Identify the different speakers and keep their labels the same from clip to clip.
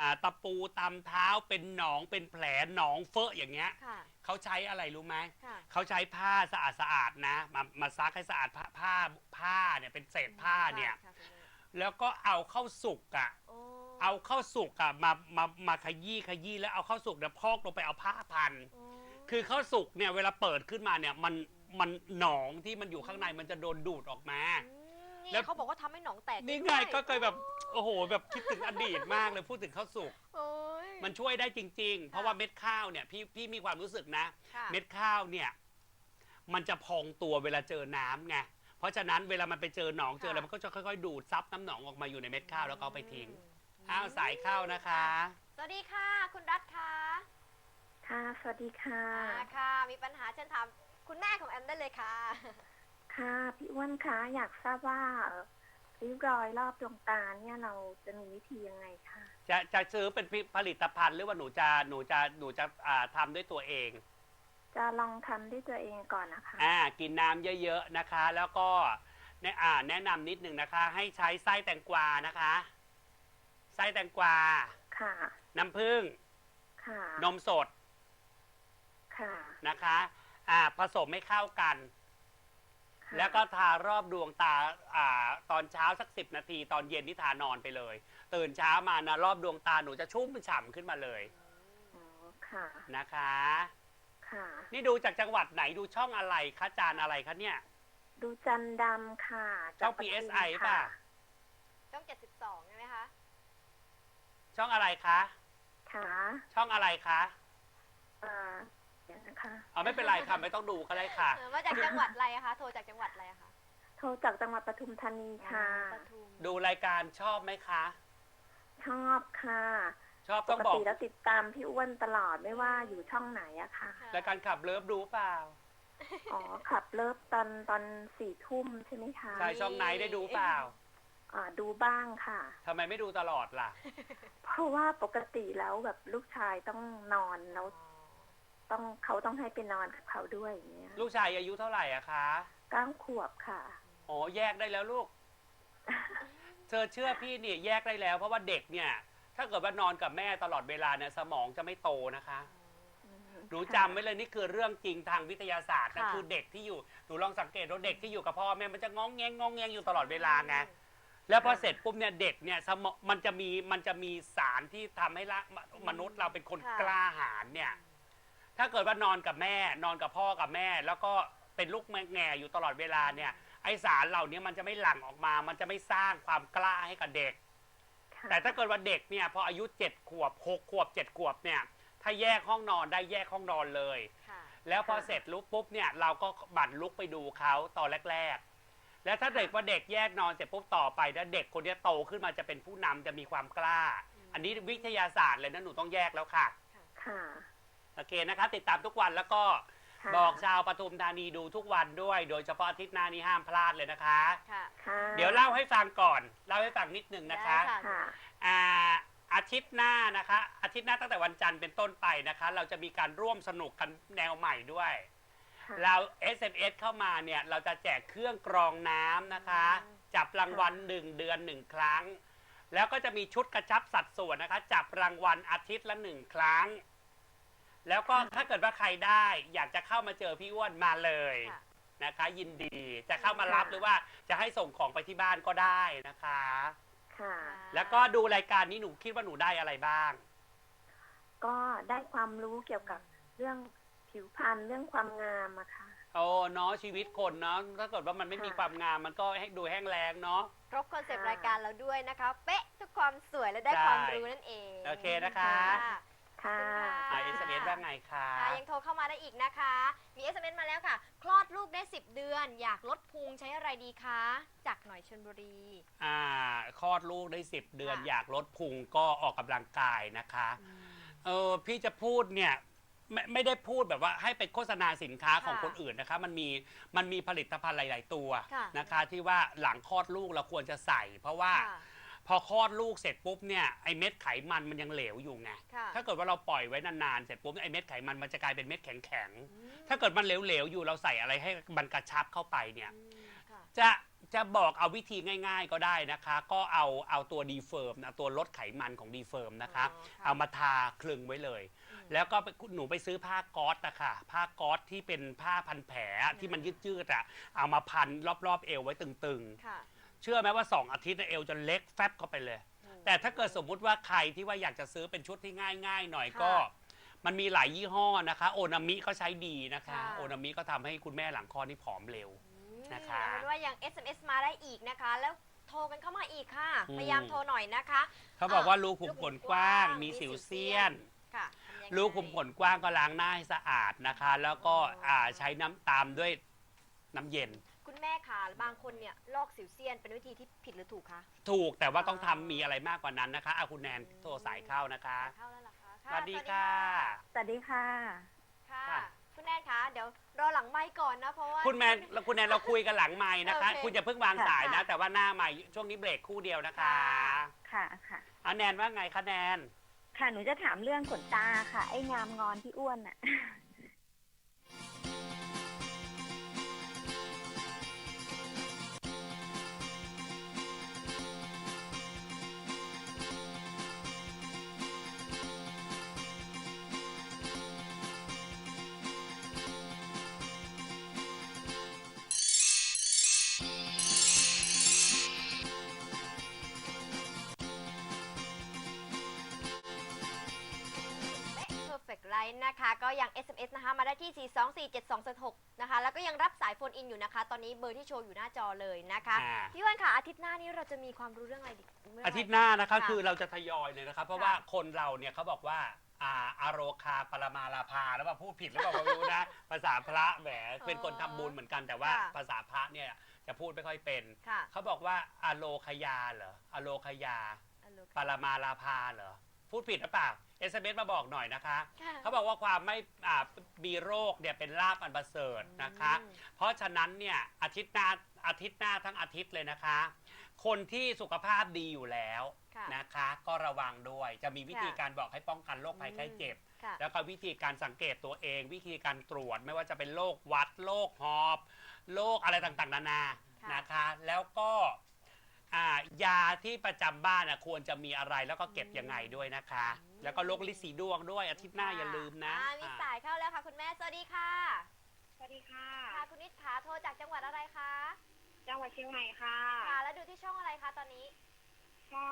Speaker 1: ตะปูตำเท้าเป็นหนองเป็นแผลหนองเฟอะอย่างเงี้ยเขาใช้อะไรรู้ไหมเขาใช้ผ้าสะอาดนะมาซักให้สะอาดผ้าเนี่ยเป็นเศษผ้าเนี่ยแล้วก็เอาเข้าสุกมาขยี้แล้วเอาเข้าสุกเนี่ยพอกลงไปเอาผ้าพันคือเข้าสุกเนี่ยเวลาเปิดขึ้นมาเนี่ยมันหนองที่มันอยู่ข้างในมันจะโดนดูดออกมา
Speaker 2: แล้วเขาบอกว่าทำให้หนองแตก
Speaker 1: นี่ไงก็เคยแบบโอ้โหแบบคิดถึงอดีตมากเลยพูดถึงข้าวสุกมันช่วยได้จริงๆเพราะว่าเม็ดข้าวเนี่ยพี่มีความรู้สึกนะเม็ดข้าวเนี่ยมันจะพองตัวเวลาเจอน้ำไงเพราะฉะนั้นเวลามันไปเจอหนองเจออะไรมันก็จะค่อยๆดูดซับน้ำหนองออกมาอยู่ในเม็ดข้าวแล้วก็เอาไปทิ้งสายข้าวนะคะ
Speaker 2: สวัสดีค่ะคุณรัฐค่ะ
Speaker 3: ค่ะสวัสดีค่ะ
Speaker 2: ค่ะมีปัญหาเชิญถามคุณแม่ของแอมได้เลยค่ะ
Speaker 3: ค่ะพี่อ้วนคะอยากทราบว่าริ้วรอยรอบดวงตาเนี่ยเราจะมีวิธียังไงคะ
Speaker 1: จะซื้อเป็นผลิตภัณฑ์หรือว่าหนูจะทำด้วยตัวเอง
Speaker 3: จะลองทำด้วยตัวเองก่อนนะคะ
Speaker 1: กินน้ำเยอะๆนะคะแล้วก็แนะนำนิดหนึ่งนะคะให้ใช้ไส้แตงกวานะคะไส้แตงกวา
Speaker 3: ค่ะ
Speaker 1: น้ำผึ้ง
Speaker 3: ค่ะ
Speaker 1: นมสด
Speaker 3: ค่ะ
Speaker 1: นะคะผสมให้เข้ากันแล้วก็ทารอบดวงตาตอนเช้าสัก10 นาทีตอนเย็นที่ทานอนไปเลยตื่นเช้ามานะรอบดวงตาหนูจะชุ่มฉ่ำขึ้นมาเลย
Speaker 3: ค่ะ
Speaker 1: นะคะ
Speaker 3: ค่ะ
Speaker 1: นี่ดูจากจังหวัดไหนดูช่องอะไรคะจานอะไรคะเนี่ย
Speaker 3: ดูจันดำค่ะ
Speaker 1: ช่อง PSI ป่ะ
Speaker 2: ช่อง72ใช่ไหมคะ
Speaker 1: ช่องอะไรคะ
Speaker 3: ค่ะ
Speaker 1: ช่องอะไรคะ
Speaker 3: นะคะ
Speaker 1: ไม่เป็นไรค่ะไม่ต้องดูก็ได้ค่ะ
Speaker 2: มาจากจังหวัดอะไรคะโทรจากจังหวัดอะไรคะ
Speaker 3: โทรจากจังหวัดปทุมธานีค่ะ
Speaker 1: ดูรายการชอบไหมคะ
Speaker 3: ชอบค่ะ
Speaker 1: ชอบต้องบอก
Speaker 3: ปกติแล้วติดตามพี่อ้วนตลอดไม่ว่าอยู่ช่องไหนอะค่ะ
Speaker 1: รายการขับเลิฟดูเปล่า
Speaker 3: ขับเลิฟตอน4 ทุ่มใช่ไหมคะ
Speaker 1: ใช่ช่องไหนได้ดูเปล่า
Speaker 3: ดูบ้างค่ะ
Speaker 1: ทำไมไม่ดูตลอดล่ะ
Speaker 3: เพราะว่าปกติแล้วแบบลูกชายต้องนอนแล้วเขาต้องให้ไปนอนกับเขาด้วยอย่างเงี้ย
Speaker 1: ลูกชายอายุเท่าไหร่อะคะ
Speaker 3: 9 ขวบค่ะ
Speaker 1: แยกได้แล้วลูกเธอเชื่อพี่เนี่ยแยกได้แล้วเพราะว่าเด็กเนี่ยถ้าเกิดว่านอนกับแม่ตลอดเวลาเนี่ยสมองจะไม่โตนะคะหนูจำไว้เลยนี่คือเรื่องจริงทางวิทยาศาสตร์นะคือเด็กที่อยู่หนูลองสังเกตดูเด็กที่อยู่กับพ่อแม่มันจะงองแงอยู่ตลอดเวลาไงแล้วพอเสร็จปุ๊บเนี่ยเด็กเนี่ยสมองมันจะมีสารที่ทำให้มนุษย์เราเป็นคนกล้าหาญเนี่ยถ้าเกิดว่านอนกับแม่นอนกับพ่อกับแม่แล้วก็เป็นลูกแง่อยู่ตลอดเวลาเนี่ยไอสารเหล่านี้มันจะไม่หลั่งออกมามันจะไม่สร้างความกล้าให้กับเด็กแต่ถ้าเกิดว่าเด็กเนี่ยพออายุ7 ขวบ6 ขวบ7 ขวบเนี่ยถ้าแยกห้องนอนได้แยกห้องนอนเลยแล้วพอเสร็จลุกปุ๊บเนี่ยเราก็บั่นลุกไปดูเขาตอนแรกๆแล้วถ้าเด็กว่าเด็กแยกนอนเสร็จปุ๊บต่อไปแล้วเด็กคนนี้โตขึ้นมาจะเป็นผู้นำจะมีความกล้าอันนี้วิทยาศาสตร์เลยนะหนูต้องแยกแล้วค่ะโอเคนะคะติดตามทุกวันแล้วก็บอกชาวปทุมธานีดูทุกวันด้วยโดยเฉพาะอาทิตย์หน้านี้ห้ามพลาดเลยนะคะเดี๋ยวเล่าให้ฟังก่อนเล่าให้ฟังนิดนึงนะคะอาทิตย์หน้านะคะอาทิตย์หน้าตั้งแต่วันจันทร์เป็นต้นไปนะคะเราจะมีการร่วมสนุกกันแนวใหม่ด้วยเรา SMS เข้ามาเนี่ยเราจะแจกเครื่องกรองน้ำนะคะจับรางวัล1 เดือน 1 ครั้งแล้วก็จะมีชุดกระชับสัดส่วนนะคะจับรางวัลอาทิตย์ละ1 ครั้งแล้วก็ถ้าเกิดว่าใครได้อยากจะเข้ามาเจอพี่อ้วนมาเลยนะคะยินดีจะเข้ามารับหรือว่าจะให้ส่งของไปที่บ้านก็ได้นะคะแล้วก็ดูรายการนี้หนูคิดว่าหนูได้อะไรบ้าง
Speaker 3: ก็ได้ความรู้เกี่ยวกับเรื่องผิวพรรณเรื่องความงามอะค่ะ
Speaker 1: เนาะชีวิตคนเนาะถ้าเกิดว่ามันไม่มีความงามมันก็ให้ดูแห้งแล้งเนาะ
Speaker 2: ครบคอนเซปต์รายการเราด้วยนะคะเป๊ะทุกความสวยและได้ความรู้นั่นเอง
Speaker 1: โอเคนะคะSMS ว่าไงคะ
Speaker 2: ยังโทรเข้ามาได้อีกนะคะมี SMS มาแล้วค่ะคลอดลูกได้10 เดือนอยากลดพุงใช้อะไรดีคะจากหน่อยชลบุรี
Speaker 1: คลอดลูกได้10 เดือนอยากลดพุงก็ออกกำลังกายนะคะพี่จะพูดเนี่ยไม่ได้พูดแบบว่าให้ไปโฆษณาสินค้าของคนอื่นนะคะมันมีผลิตภัณฑ์หลายๆตัวนะคะที่ว่าหลังคลอดลูกเราควรจะใส่เพราะว่าพอคลอดลูกเสร็จปุ๊บเนี่ยไอเม็ดไขมันมันยังเหลวอยู่ไงถ้าเกิดว่าเราปล่อยไว้นานๆเสร็จปุ๊บไอเม็ดไขมันมันจะกลายเป็นเม็ดแข็งๆถ้าเกิดมันเหลวๆอยู่เราใส่อะไรให้มันกระชับเข้าไปเนี่ยจะบอกเอาวิธีง่ายๆก็ได้นะคะ ก็เอาตัวดีเฟิร์มนะตัวลดไขมันของดีเฟิร์มนะคะ เอามาทาคลึงไว้เลย แล้วก็หนูไปซื้อผ้าก๊อซนะคะผ้าก๊อซที่เป็นผ้าพันแผลที่มันยืดๆอะเอามาพันรอบๆเอวไว้ตึง
Speaker 2: ค่ะ
Speaker 1: ๆ เชื่อไหมว่า2 อาทิตย์เอวจะเล็กแฟบเข้าไปเลย แต่ถ้าเกิดสมมุติว่าใครที่ว่าอยากจะซื้อเป็นชุดที่ง่ายๆหน่อยก็ มันมีหลายยี่ห้อนะคะ โอนามิก็ใช้ดีนะคะ โอนามิก็ทำให้คุณแม่หลังคลอดนี่ผอมเร็ว นะคะ
Speaker 2: เอาเป็นว่ายัง SMS มาได้อีกนะคะ แล้วโทรกันเข้ามาอีกค่ะ พยายามโทรหน่อยนะคะ
Speaker 1: เขาบอกว่ารูขุมขนกว้างมีสิวเซียน
Speaker 2: ค่ะทำยังไง
Speaker 1: รูขุมขนกว้างก็ล้างหน้าให้สะอาดนะคะ แล้วก็ใช้น้ำตามด้วยน้ำเย็น
Speaker 2: คุณแม่ค่ะบางคนเนี่ยลอกสิวเซียนเป็นวิธีที่ผิดหรือถูกคะ
Speaker 1: ถูกแต่ว่าต้องทำมีอะไรมากกว่านั้นนะคะเอาคุณแนนโทรสายเข้านะคะ
Speaker 2: เข้าแล้วเหรอคะ
Speaker 1: สวัสดีค่ะ
Speaker 3: สวัสดีค่ะ
Speaker 2: ค่ะ
Speaker 1: ค่ะ
Speaker 2: คุณแนนคะเดี๋ยวรอหลังไมค์ก่อนนะเพราะว่า
Speaker 1: คุณแนนเราคุยกันหลังไม้นะคะ
Speaker 2: โอเค
Speaker 1: คุณอย่าเพิ่งวางสายนะ
Speaker 3: ค่ะ
Speaker 1: แต่ว่าหน้าไม้ช่วงนี้เบรกคู่เดียวนะคะ
Speaker 3: ค่ะค่ะ
Speaker 1: เอาแนนว่าไงคะแนน
Speaker 3: ค่ะหนูจะถามเรื่องขนตาค่ะ ไอ้งามงอนที่อ้วนอ่ะ
Speaker 2: Perfect Line นะคะ ก็ยัง SMS นะคะมาได้ที่ 4247276 นะคะ แล้วก็ยังรับสายโฟนอินอยู่นะคะ ตอนนี้เบอร์ที่โชว์อยู่หน้าจอเลยนะคะ พี่วันค่ะอาทิตย์หน้านี้เราจะมีความรู้เรื่องอะไรดีเรื่องะไร
Speaker 1: อาทิตย์หน้านะคะ
Speaker 2: ค่ะ
Speaker 1: คือเราจะทยอยเลยนะครับเพราะ
Speaker 2: ค่ะ
Speaker 1: ว่าคนเราเนี่ยเขาบอกว่าอาโรคาปรมาลาภาแล้วว่าพูดผิดหรือเปล่าไม่รู้นะ ภาษาพระแหมเป็นคนทำบุญเหมือนกันแต่ว่า
Speaker 2: ค่ะ
Speaker 1: ภาษาพระเนี่ยจะพูดไม่ค่อยเป็น
Speaker 2: ค่ะ
Speaker 1: เขาบอกว่าอโลคยาเหรออโลคยาปรมาลาภาเหรอพูดผิดหรือเปล่า SMS มาบอกหน่อยนะคะ
Speaker 2: ค่ะ
Speaker 1: เขาบอกว่าความไม่มีโรคเนี่ยเป็นลาภอันประเสริฐนะคะ เพราะฉะนั้นเนี่ยอาทิตย์หน้าทั้งอาทิตย์เลยนะคะ คนที่สุขภาพดีอยู่แล้ว
Speaker 2: ค่ะ
Speaker 1: นะคะ ก็ระวังด้วยจะมีวิธีการบอกให้ป้องกันโรคภัยไข้เจ็บ
Speaker 2: ค่ะ
Speaker 1: แล้วก็วิธีการสังเกตตัวเอง วิธีการตรวจไม่ว่าจะเป็นโรคหวัดโรคหอบโรคอะไรต่างๆนานา
Speaker 2: ค่ะ
Speaker 1: นะคะ แล้วก็ยาที่ประจำบ้านควรจะมีอะไรแล้วก็เก็บยังไงด้วยนะคะ แล้วก็โรคลิสีดวงด้วยอาทิตย์หน้าอย่าลืมนะ
Speaker 2: มีสายเข้าแล้วค่ะคุณแม่สวัสดีค่ะ
Speaker 4: สวัสดีค่ะ
Speaker 2: ค่ะคุณนิดขาโทรจากจังหวัดอะไรคะ
Speaker 4: จังหวัดเชียงใหม่ค่ะ
Speaker 2: ค่ะแล้วดูที่ช่องอะไรคะตอนนี้
Speaker 4: ช่อง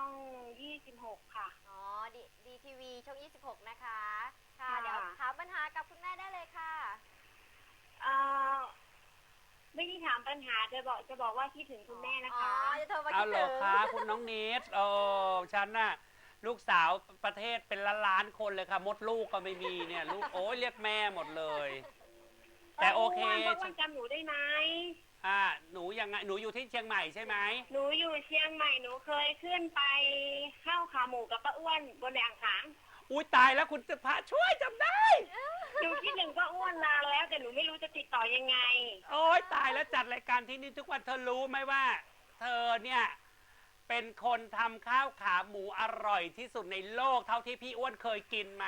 Speaker 4: 26 ค่ะ
Speaker 2: อ๋อดีทีวีช่อง 26 นะคะ ค่ะ
Speaker 4: ค่ะ
Speaker 2: เดี๋ยวถามปัญหากับคุณแม่ได้เลยค่ะ
Speaker 4: เอ่อไม่ได้ถามปัญหาจะบอกว่าคิดถึงคุณแม่นะ
Speaker 2: อ๋อ
Speaker 4: คะ
Speaker 2: จะโทรมา
Speaker 1: เอา
Speaker 2: คิด
Speaker 1: เหร
Speaker 2: ถึ
Speaker 1: อง คะคุณน้องนิดฉันน่ะลูกสาวประเทศเป็นล้านๆคนเลยค่ะมดลูกก็ไม่มีเนี่ยลูกโอ้ยเรียกแม่หมดเลย แต่โอเค
Speaker 4: พราะว่าจำหนูได้ไหม
Speaker 1: หนูยังไงหนูอยู่ที่เชียงใหม่ใช่ไหม
Speaker 4: หนูอยู่เชียงใหม่ หนูเคยขึ้นไปเข้าขาหมูกับป้าอ้วนบนแดงขาง
Speaker 1: อุ้ยตายแล้วคุณจะพระช่วยจำได้
Speaker 4: หนูคิดถึงป้าอ้วนนานแล้ว แต่หนูไม่รู้จะติดต่อยังไง
Speaker 1: โอ้ยตายแล้วจัดรายการที่นี่ทุกวันเธอรู้ไหมว่า เธอเนี่ยเป็นคนทำข้าวขาหมูอร่อยที่สุดในโลกเท่าที่พี่อ้วนเคยกินมา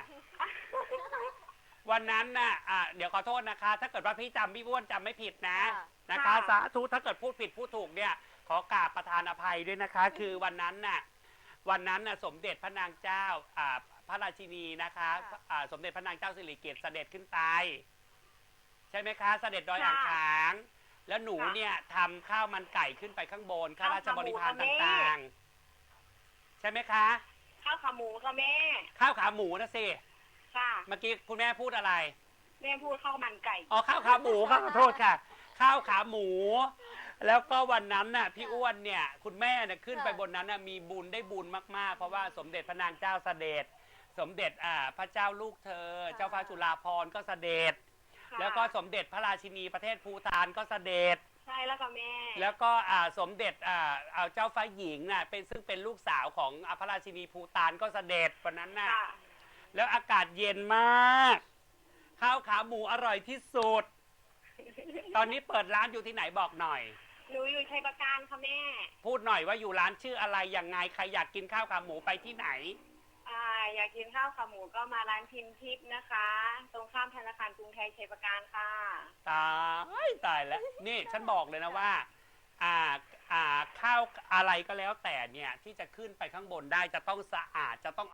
Speaker 1: วันนั้นน่ะเดี๋ยวขอโทษนะคะ ถ้าเกิดว่าพี่อ้วนจำไม่ผิดนะ
Speaker 2: ค่ะ
Speaker 1: นะคะ สาธุถ้าเกิดพูดผิดพูดถูกเนี่ย ขอกราบประทานอภัยด้วยนะคะ คือวันนั้นน่ะสมเด็จพระนางเจ้าพระราชินีนะคะสมเด็จพระนางเจ้าสิริกิติ์เสด็จขึ้นไปใช่ไหมคะ เสด็จดอยอ่างขาง แล้วหนูเนี่ยทำข้าวมันไก่ขึ้นไปข้างบนข้าราชบริพารต่างๆ ใช่ไหมคะ
Speaker 4: ข้าวขาหมูค่ะแม่
Speaker 1: ข้าวขาหมูนะสิ
Speaker 4: ค่ะ
Speaker 1: เมื่อกี้คุณแม่พูดอะไร
Speaker 4: แม่พูดข้าวมันไก่
Speaker 1: อ๋อข้าวขาหมูขอโทษค่ะ ข้าวขาหมู แล้วก็วันนั้นน่ะพี่อ้วนเนี่ยคุณแม่เนี่ยขึ้นไปบนนั้นน่ะมีบุญได้บุญมากๆ เพราะว่าสมเด็จพระนางเจ้าเสด็จ สมเด็จพระเจ้าลูกเธอ เจ้าฟ้าจุฬาภรณ์ก็เสด็จ
Speaker 4: ค่ะ
Speaker 1: แล้วก็สมเด็จพระราชินีประเทศภูฏานก็เสด็จ
Speaker 4: ใช่แล้วค่ะแม่
Speaker 1: แล้วก็สมเด็จเจ้าฟ้าหญิงน่ะซึ่งเป็นลูกสาวของพระราชินีภูฏานก็เสด็จวันนั้นน่ะ
Speaker 4: ค่ะ
Speaker 1: แล้วอากาศเย็นมาก ข้าวขาหมูอร่อยที่สุด ตอนนี้เปิดร้านอยู่ที่ไหนบอกหน่อย
Speaker 4: หนูอยู่ชัยประการค่ะแม่
Speaker 1: พูดหน่อยว่าอยู่ร้านชื่ออะไรยังไงใครอยากกินข้าวขาหมูไปที่ไหน
Speaker 4: อยากกินข้าวขาหมูก็มาร้านพิมพ์ทิพย์นะคะ ตรงข้ามธนาคารกรุงไทยชัยประการค่ะ
Speaker 1: ตายแล้วนี่ฉันบอกเลยนะว่าข้าวอะไรก็แล้วแต่เนี่ยที่จะขึ้นไปข้างบนได้จะต้องสะอาดจะต้อง